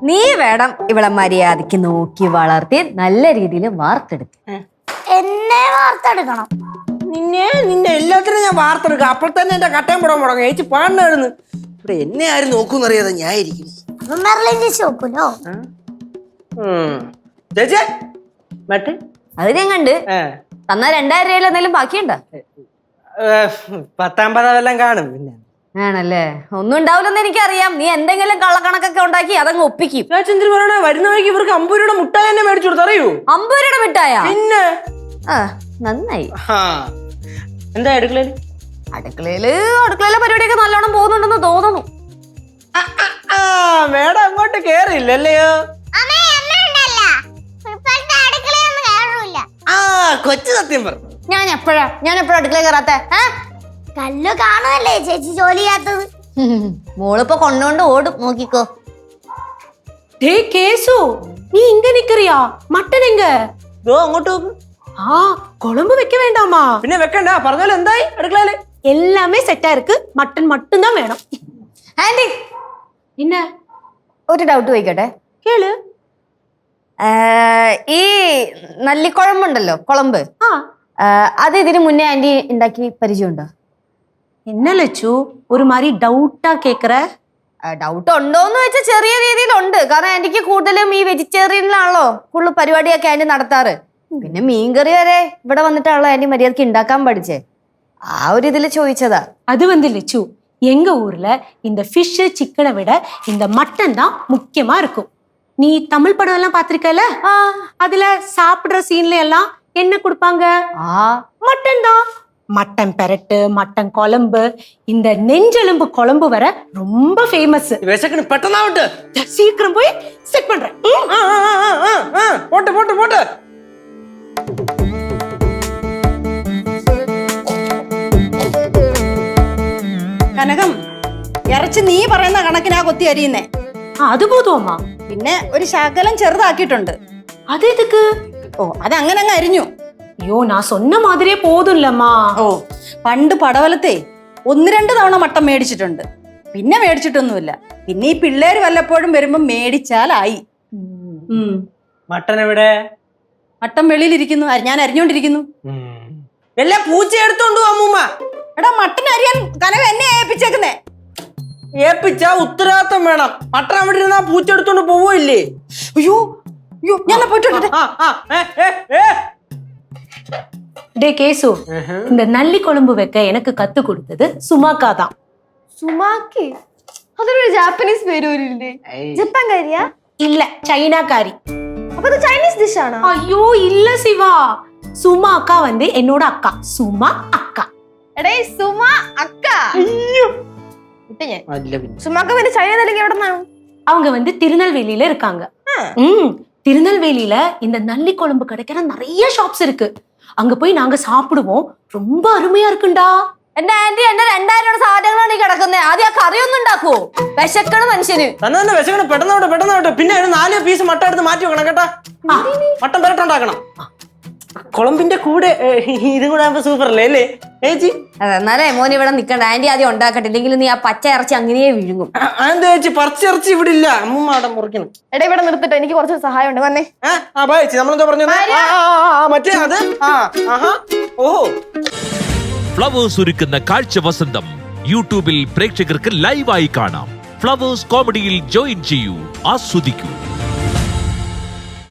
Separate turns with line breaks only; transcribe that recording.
നീ വേണം ഇവളെ മര്യാദക്ക് നോക്കി വളർത്തി നല്ല രീതിയിൽ വാർത്തെടുക്ക.
എന്നെ വാർത്തെടുക്കണം.
നിന്നെ എല്ലാത്തിനും ഞാൻ വാർത്തെടുക്കാം. അപ്പോൾ തന്നെ എന്റെ കട്ടയം പോടാൻ മുടങ്ങും. ചേച്ചി പാണ്ടായിരുന്നു. ഇവിടെ എന്നെ ആരും നോക്കൂന്നറിയാതെ ഞാൻ ഇരിക്കും.
മെർലിൻ ചേച്ചി നോക്കൂലോ?
ചേച്ചി മട്ട്
അത് ഞാൻ കണ്ട് തന്നാ 2000 രൂപയിൽ എന്തെങ്കിലും ബാക്കിയുണ്ടോ?
10-50 വല്ലതും കാണും. പിന്നെ
ആണല്ലേ, ഒന്നും ഉണ്ടാവില്ലെന്ന് എനിക്കറിയാം. നീ എന്തെങ്കിലും കള്ളക്കണക്കൊക്കെ ഉണ്ടാക്കി അതങ്ങ് ഒപ്പിക്കും.
ചേച്ചി പറയണേ, വരുന്ന വഴിക്ക് ഇവർക്ക് 50 രൂപയുടെ മുട്ടായി തന്നെ മേടിച്ചു കൊടുത്തു. അറിയൂ?
50 രൂപയുടെ മിഠായ?
പിന്നെ
നന്നായി.
എന്താ അടുക്കളയില്?
അടുക്കളയിലെ പരിപാടിയൊക്കെ നല്ലോണം പോകുന്നുണ്ടെന്ന് തോന്നുന്നു.
മേഡം അങ്ങോട്ട് കേറിയില്ലല്ലയോ? കൊച്ചു സത്യം പറഞ്ഞു.
ഞാൻ എപ്പോഴാ അടുക്കള കയറാത്ത?
കല്ലു കാണുമല്ലേ ചേച്ചി ജോലി ചെയ്യാത്തത്?
മോളിപ്പോ കൊണ്ടോണ്ട് ഓടും, നോക്കിക്കോ.
കേസു, നീ ഇങ്ങ നിക്കറിയാ? മട്ടൻ എങ്ക?
അങ്ങോട്ട് നോക്ക്.
குழம்பு வைக்க வேண்டாமா?
പിന്നെ വെക്കണ്ട, പറഞ്ഞാലും എന്തായി അടുക്കളയില്?
எல்லாமே செட்டா இருக்கு. மட்டன் மட்டும் தான் வேணும்.
ആന്റി,
என்ன
ഒരു ഡൗട്ട് ചോദിക്കട്ടെ?
கேளு.
ഈ നല്ലിക്കുഴമ്പുണ്ടല്ലോ, കുളമ്പ്, അത് ഇതിന് മുന്നേ ആന്റി ഉണ്ടാക്കി പരിചയമുണ്ടോ?
என்ன லட்சு ஒரு மாதிரி டவுட்டா கேக்குற?
ഡൗട്ട് ഉണ്ടോന്ന് വെച്ചാൽ ചെറിയ രീതിയിലുണ്ട്. കാരണം ആന്റിക്ക് കൂടുതലും ഈ വെജിറ്റേറിയനിലാണല്ലോ കൂടുതൽ പരിപാടിയൊക്കെ ആന്റി നടത്താറ്. പിന്നെ മീൻകറി വരെ ഇവിടെ വന്നിട്ടാണല്ലോ ആന്റി മര്യാദക്ക് ഉണ്ടാക്കാൻ പഠിച്ചേ. ആ ഒരു ഇതിൽ ചോദിച്ചതാ.
அது லட்சு, எங்க ஊர்ல இந்த ஃபிஷ் சிக்கனை விட இந்த மட்டன் தான் முக்கியமா இருக்கும். நீ தமிழ் படம் எல்லாம் பாத்திருக்கல? அதுல சாப்பிடுற சீன்ல எல்லாம் என்ன கொடுப்பாங்க? மட்டன் தான். மட்டன் பெரட்டு, மட்டன் குழம்பு, இந்த நெஞ்செலும்பு குழம்பு வர ரொம்ப ஃபேமஸ்.
விசக்கணும், பெட்டனாவட்டு.
சீக்கிரம் போய் செட் பண்றேன்.
போட்டு போட்டு போட்டு.
കനകം, ഇറച്ചി നീ പറയുന്ന കണക്കിനാ കൊത്തി അരിയുന്നേ.
അത് പോതുമാ?
പിന്നെ ഒരു ശകലം ചെറുതാക്കിയിട്ടുണ്ട്.
അത് എതുക്ക്?
അതങ്ങനെ അങ്ങ് അരിഞ്ഞു.
അയ്യോ, ഞാൻ சொன்ன மாதிரியே போதும்லம்மா.
പണ്ട് പടവലത്തെ 1-2 തവണ മട്ടൻ മേടിച്ചിട്ടുണ്ട്. പിന്നെ മേടിച്ചിട്ടൊന്നുമില്ല. പിന്നെ ഈ പിള്ളേര് വല്ലപ്പോഴും വരുമ്പോ മേടിച്ചാലായി.
മട്ടൻ എവിടെ?
മട്ടൻ വെളിയിലിരിക്കുന്നു, ഞാൻ അരിഞ്ഞോണ്ടിരിക്കുന്നു.
എല്ലാ പൂച്ച എടുത്തോണ്ടു അമ്മൂമ്മ.
എടാ, മട്ടൻ അരിയാൻ കനകം എന്നെ ഏൽപ്പിച്ചേക്കുന്നേ.
ഏൽപ്പിച്ച ഉത്തരവാദിത്തം വേണം. മട്ടൻ അവിടെ ഇരുന്നാ പൂച്ച എടുത്തോണ്ട് പോവില്ലേ?
അയ്യോ അയ്യോ, ഞാൻ പോയിട്ടുണ്ട്.
டே கேசு, இந்த நல்லி குழம்பு வைக்க எனக்கு கத்து கொடுத்தது சுமாக்கா தான்.
സുമാക്കി? അതൊരു ജാപ്പനീസ് പേര് വരില്ലേ? ജപ്പാൻകാരിയാ?
இல்ல, சைனாக்காரி.
അപ്പൊ ഇത് ചൈനീസ് ഡിഷ് ആണോ?
ஐயோ இல்ல சிவா, சுமா அக்கா வந்து என்னோட அக்கா. சுமா அக்கா.
എടേ, സുമ അക്ക. വിട്ടു ഞാൻ. സുമാക്ക പിന്നെ ചൈന അല്ലെങ്കിൽ എവിടെ നിന്നാണ്?
அவங்க வந்து திருநெல்வேலியில இருக்காங்க. திருநெல்வேலியில இந்த நல்லி குழம்பு கிடைக்கிற நிறைய ஷாப்ஸ் இருக்கு. அங்க போய் நாங்க சாப்பிடுவோம். ரொம்ப அருமையா இருக்குண்டா.
എന്റെ ആന്റി, എന്റെ 2000 രൂപയുടെ സാധനങ്ങളാണ് ഈ കിടക്കുന്നത്. ആദ്യം ആ കറിയൊന്നും ഉണ്ടാക്കുവോ? വിശക്കണ മനുഷ്യന്.
തന്നെ വിശക്കണം. പെട്ടെന്നോട്ട്. പിന്നെ ഒരു 4 പീസ് മട്ടൻ എടുത്ത് മാറ്റി വെക്കണം കേട്ടാ. മട്ടൻ പെരട്ടുണ്ടാക്കണം. കുളമ്പിന്റെ കൂടെ ഇതും കൂടെ ആകുമ്പോ സൂപ്പർ അല്ലേ അല്ലേ ചേച്ചി?
എന്നാലേ മോൻ ഇവിടെ നിക്കണ്ട. ആന്റി ആദ്യം ഉണ്ടാക്കട്ടെ, ഇല്ലെങ്കിൽ നീ ആ പച്ച ഇറച്ചി അങ്ങനെ വിഴുങ്ങും.
എന്താ ചേച്ചി, പറിച്ചിറച്ചി ഇവിടെ ഇല്ല. അമ്മൂമ്മ അവിടെ മുറിക്കണം.
എടാ, ഇവിടെ നിർത്തിട്ടോ, എനിക്ക് കുറച്ച് സഹായം ഉണ്ട്. വന്നേ.
ചേച്ചി, നമ്മളെന്താ പറഞ്ഞത്? മറ്റേ അത്. ഓഹോ,
ഫ്ലവേഴ്സ് ഒരുക്കുന്ന കാഴ്ച വസന്തം യൂട്യൂബിൽ പ്രേക്ഷകർക്ക് ലൈവായി കാണാം. ഫ്ലവേഴ്സ് കോമഡിയിൽ ജോയിൻ ചെയ്യൂ, ആസ്വദിക്കൂ.